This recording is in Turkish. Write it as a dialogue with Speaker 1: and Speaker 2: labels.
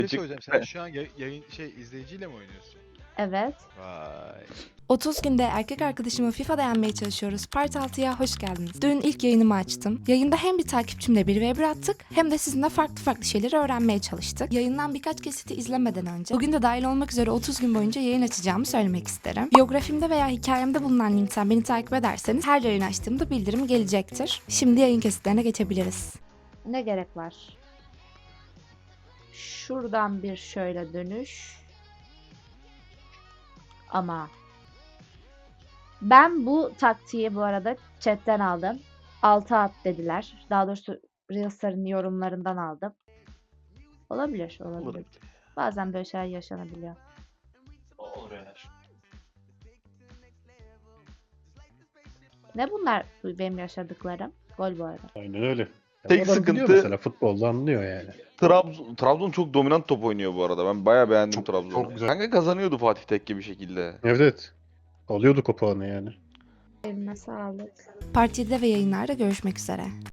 Speaker 1: Bir şey söyleyeceğim. Sen şu an yayın izleyiciyle mi oynuyorsun?
Speaker 2: Evet.
Speaker 1: Vay.
Speaker 3: 30 günde erkek arkadaşımı FIFA'da yenmeye çalışıyoruz. Part 6'ya hoş geldiniz. Dün ilk yayınımı açtım. Yayında hem bir takipçimle 1v1 attık hem de sizinle farklı şeyleri öğrenmeye çalıştık. Yayından birkaç kesiti izlemeden önce bugün de dahil olmak üzere 30 gün boyunca yayın açacağımı söylemek isterim. Biyografimde veya hikayemde bulunan linkten beni takip ederseniz her yayın açtığımda bildirim gelecektir. Şimdi yayın kesitlerine geçebiliriz.
Speaker 2: Ne gerek var? Şuradan bir şöyle dönüş. Ama ben bu taktiği bu arada chatten aldım. 6 at dediler. Daha doğrusu Reels'ların yorumlarından aldım. Olabilir. Bazen böyle şeyler yaşanabiliyor.
Speaker 4: Olur yani.
Speaker 2: Ne bunlar benim yaşadıklarım? Gol bu arada.
Speaker 5: Aynen öyle. Ya
Speaker 1: Tek
Speaker 5: adam biliyor
Speaker 1: sıkıntı-
Speaker 5: mesela futbolda anlıyor yani.
Speaker 1: Trabzon çok dominant top oynuyor bu arada. Ben bayağı beğendim
Speaker 5: Çok-
Speaker 1: Trabzon'u.
Speaker 5: çok güzel.
Speaker 1: Kanka kazanıyordu Fatih Tekke bir şekilde.
Speaker 5: Evet. Alıyorduk o puanı yani.
Speaker 2: Eline sağlık.
Speaker 3: Part 7'de ve yayınlarda görüşmek üzere.